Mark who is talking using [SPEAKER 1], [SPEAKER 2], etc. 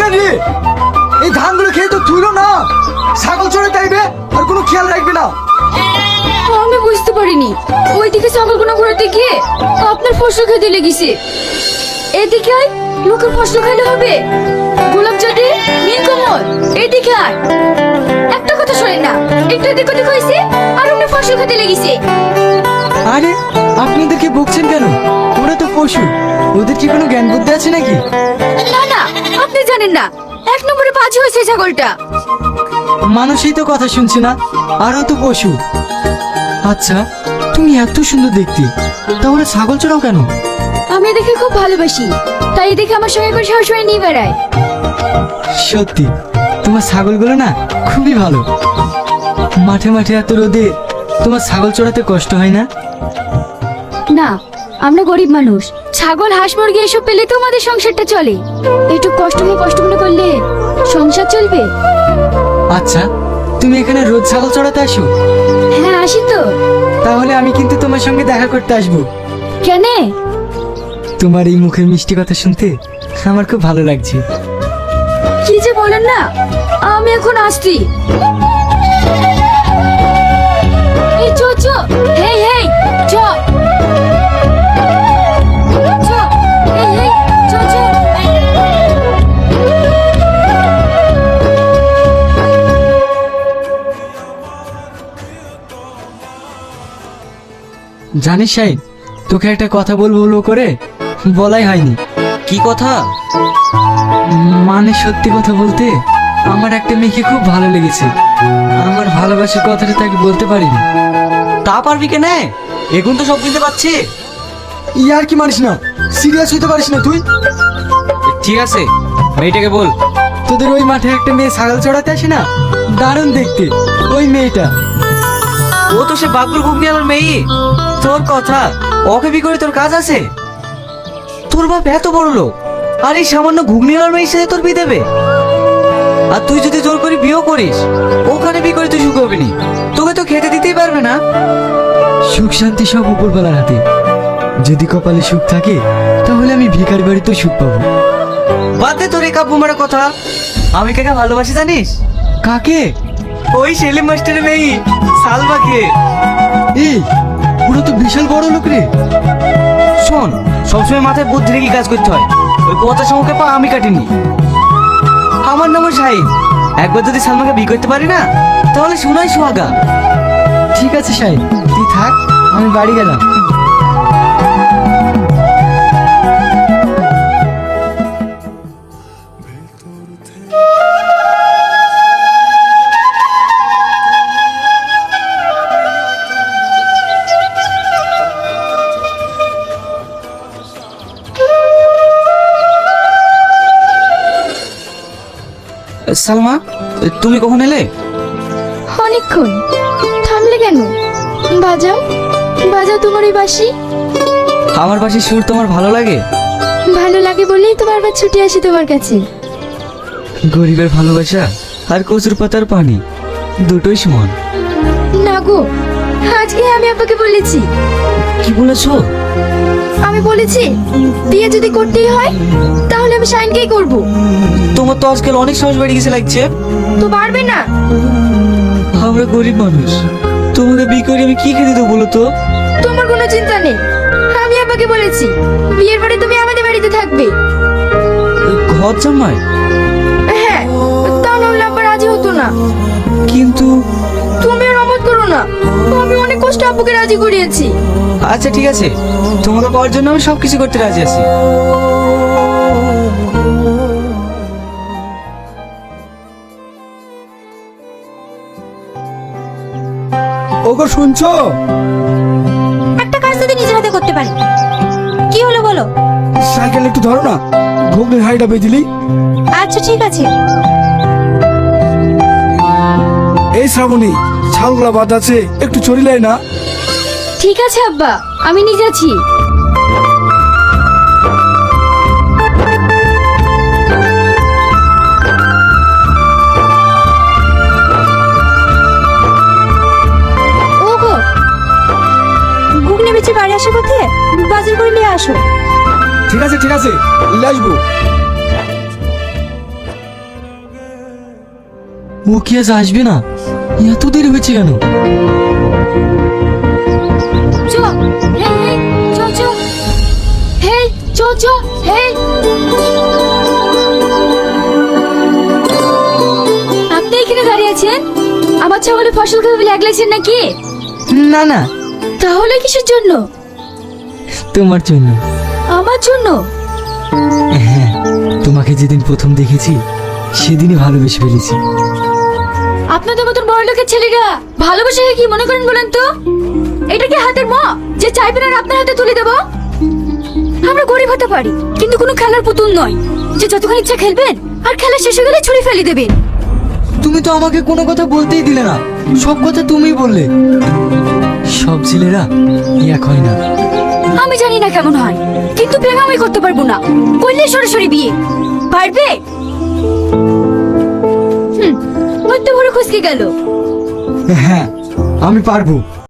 [SPEAKER 1] কেন রে? এই ধানগুলো খেয়ে তো তুইলো না, ছাগল চড়ে তাইবে আর কোনো খেয়াল রাখবে না।
[SPEAKER 2] আমি বুঝতে পারিনি, ওইদিকে ছাগলগুলো ঘুরাতে গিয়ে আপনার ফসল খেতে লেগেছে। এদিকে আয়, লোকের ফসল খাইলে হবে? গোলাপ জাতি, নীলকমল, এদিকে আয়। একটা কথা শোনেন না, একটু এদিক ওদিক হয়েছে আর অন্য ফসল খেতে লেগেছে।
[SPEAKER 1] আরে আপনাদেরকে বকছেন কেন? ওরা তো পশু, ওদের কি কোনো জ্ঞান বুদ্ধি আছে নাকি?
[SPEAKER 2] না না, আপনি জানেন না, এক নম্বরে বাজি হয়েছে ছাগলটা।
[SPEAKER 1] মানুষই তো কথা শুনছে না, আরও তো পশু। আচ্ছা, তুমি এত সুন্দর দেখতে, তাহলে ছাগল চড়াও কেন?
[SPEAKER 2] আমি দেখে খুব ভালোবাসি, তাই দেখে আমার সঙ্গে করে সবসময় নিয়ে বেড়ায়।
[SPEAKER 1] সত্যি তোমার ছাগলগুলো না খুবই ভালো। মাঠে মাঠে এত রোদে তোমার ছাগল চড়াতে কষ্ট হয় না?
[SPEAKER 2] না, আমরা গরিব মানুষ, ছাগল হাঁস মুরগি এসব পেলে তো আমাদের সংসারটা চলে। একটু কষ্ট মনে করলে সংসার চলবে।
[SPEAKER 1] আচ্ছা, তুমি এখানে রোজ ছাগল চড়াতে আসো?
[SPEAKER 2] হ্যাঁ, আসি তো।
[SPEAKER 1] তাহলে আমি কিন্তু তোমার সঙ্গে দেখা করতে আসবো।
[SPEAKER 2] কেন?
[SPEAKER 1] তোমার এই মুখের মিষ্টি কথা শুনতে আমার খুব ভালো লাগছে।
[SPEAKER 2] কি যে বলেন না, আমি এখন আসছি। এই চো চো, হেই হেই, চো চো, হেই হেই, চো চো।
[SPEAKER 1] জানিস শাহিন, তোকে একটা কথা বলবো বলবো করে বলাই হয়নি।
[SPEAKER 3] কি কথা?
[SPEAKER 1] মানে সত্যি কথা বলতে, আমার একটা মেয়েকে খুব ভালো লেগেছে। আমার ভালোবাসার কথাটা তাকে বলতে পারিনি।
[SPEAKER 3] তা পারবি কেনে? এখন তো সব বুঝতে পারছি।
[SPEAKER 1] ইয়ার কি মানিস না, সিরিয়াস হইতে পারিস না তুই?
[SPEAKER 3] ঠিক আছে, মেয়েটাকে বল।
[SPEAKER 1] তোদের ওই মাঠে একটা মেয়ে ছাগল চড়াতে আসে না, দারুণ দেখতে ওই মেয়েটা।
[SPEAKER 3] ও তো সে বাবুর ঘুগনি আলার মেয়ে। তোর কথা, ওকে বি করে তোর কাজ আছে? তোর বাপ এত বড় লোক, আর এই সামান্য ঘুগনি আলার মেয়ের সাথে তোর বিয়ে দেবে? আর তুই যদি জোর করে বিয়েও করিস, ওখানে বি করে তুই সুখ হবি নি, তোকে তো খেতে দিতেই পারবে না।
[SPEAKER 1] সুখ শান্তি সব উপরবেলার হাতে। যদি কপালে সুখ থাকে তাহলে আমি ভিখারি বাড়িতেও সুখ পাবো।
[SPEAKER 3] বাদ দে তোর এই কাব্য মারার কথা। আমি কাকে ভালোবাসি জানিস?
[SPEAKER 1] কাকে?
[SPEAKER 3] ওই সেলিম মাস্টারের মেয়ে সালমাকে।
[SPEAKER 1] এই, পুরো তো বিশাল বড় লোক রে।
[SPEAKER 3] শোন, সবসময় মাথায় বুদ্ধি রেখে কাজ করতে হয়। ওই পচা সমুখে পা আমি কাটিনি। আমার নাম শাহিন। একবার যদি সালমাকে বিয়ে করতে পারি না, তাহলে শোনাই সোহাগা।
[SPEAKER 1] ঠিক আছে শাহিন, তুই থাক, আমি বাড়ি গেলাম।
[SPEAKER 3] সালমা, তুমি কখন এলে?
[SPEAKER 2] অনেকক্ষণ। থামলে কেন? বাজাও বাজাও তোমার ওই বাঁশি।
[SPEAKER 3] আমার বাসির সুর তোমার ভালো লাগে?
[SPEAKER 2] ভালো লাগে বলেই তো বারবার ছুটে আসি তোমার কাছে।
[SPEAKER 3] গরিবের ভালোবাসা আর কচুর পাতার পানি দুটোই সমান।
[SPEAKER 2] না গো, আজকে আমি আপনাকে বলেছি।
[SPEAKER 3] কি বলেছো?
[SPEAKER 2] আমি বলেছি বিয়ে যদি করতেই হয় তাহলে আমি শাইনকেই করব।
[SPEAKER 3] তোমার তো আজকাল অনেক সাহস বেড়ে গেছে লাগছে।
[SPEAKER 2] তো পারবে না?
[SPEAKER 3] আমরা গরিব মানুষ, তোমাকে বিয়ে করে আমি কি খেতে দেবো বলো তো?
[SPEAKER 2] তোমার কোনো চিন্তা নেই, আমি আপনাকে বলেছি বিয়ের পরে তুমি আমাদের বাড়িতে থাকবে।
[SPEAKER 3] ঘর জামাই?
[SPEAKER 2] হ্যাঁ, তা নাহলে আব্বা রাজি হতো না।
[SPEAKER 3] কিন্তু
[SPEAKER 2] তুমি আর অমত করো না, আমি অনেক কষ্ট আব্বুকে রাজি করিয়েছি।
[SPEAKER 3] আচ্ছা ঠিক আছে, তোমাকে পাওয়ার জন্য আমি সবকিছু করতে রাজি আছি।
[SPEAKER 1] ওগো শুনছো?
[SPEAKER 2] একটা কাজ যদি নিজের হাতে করতে পারি। কি হলো বলো?
[SPEAKER 1] সাইকেল একটু ধরো না, ঘুগনির হাঁড়িটা বেদিলি।
[SPEAKER 2] আচ্ছা ঠিক আছে।
[SPEAKER 1] এই শ্রাবণী, ছাগলগুলা বাদ আছে, একটু চড়িলাই না।
[SPEAKER 2] ঠিক আছে আব্বা, আমি নিয়ে যাচ্ছি। ওগো, ঘুগনি বেচে বাড়ি আসার পথে বাজার করে নিয়ে আসো।
[SPEAKER 1] ঠিক আছে ঠিক আছে, নিয়ে আসবো। ও কি আজ আসবে না? এত দেরি হয়েছে কেন?
[SPEAKER 2] চ হেই হেই চ চ হেই চ চ হেই আপনি এখানে দাঁড়িয়ে আছেন? আমার ছাগলের ফসল খাবে বলে লাগলেছেন নাকি?
[SPEAKER 1] না না,
[SPEAKER 2] তাহলে কিসের জন্য?
[SPEAKER 1] তোমার জন্য।
[SPEAKER 2] আমার জন্য?
[SPEAKER 1] হ্যাঁ, তোমাকে যেদিন প্রথম দেখেছি সেদিনই ভালোবেসে ফেলেছি।
[SPEAKER 2] আপনাদের মতন বড় লোকের ছেলেরা ভালোবাসাকে কি মনে করেন বলেন তো? এটা কি হাতের মা যে চাইবেন আর আপনার হাতে তুলে দেব? আমরা গরিব হতে পারি কিন্তু কোনো খেলার পুতুল নয় যে যতক্ষণ ইচ্ছা খেলবেন আর খেলা শেষ হয়ে গেলে ছুরি ফেলে দেবেন।
[SPEAKER 1] তুমি তো আমাকে কোনো কথা বলতেই দিলে না, সব কথা তুমিই বললে। সব ছেলেরা এক হয় না।
[SPEAKER 2] আমি জানি না কেমন হয় কিন্তু প্রেম আমি করতে পারবো না। করলে সরাসরি বিয়ে পারবে? ওই তো বড় খুশকি গেল।
[SPEAKER 1] হ্যাঁ, আমি পারবো।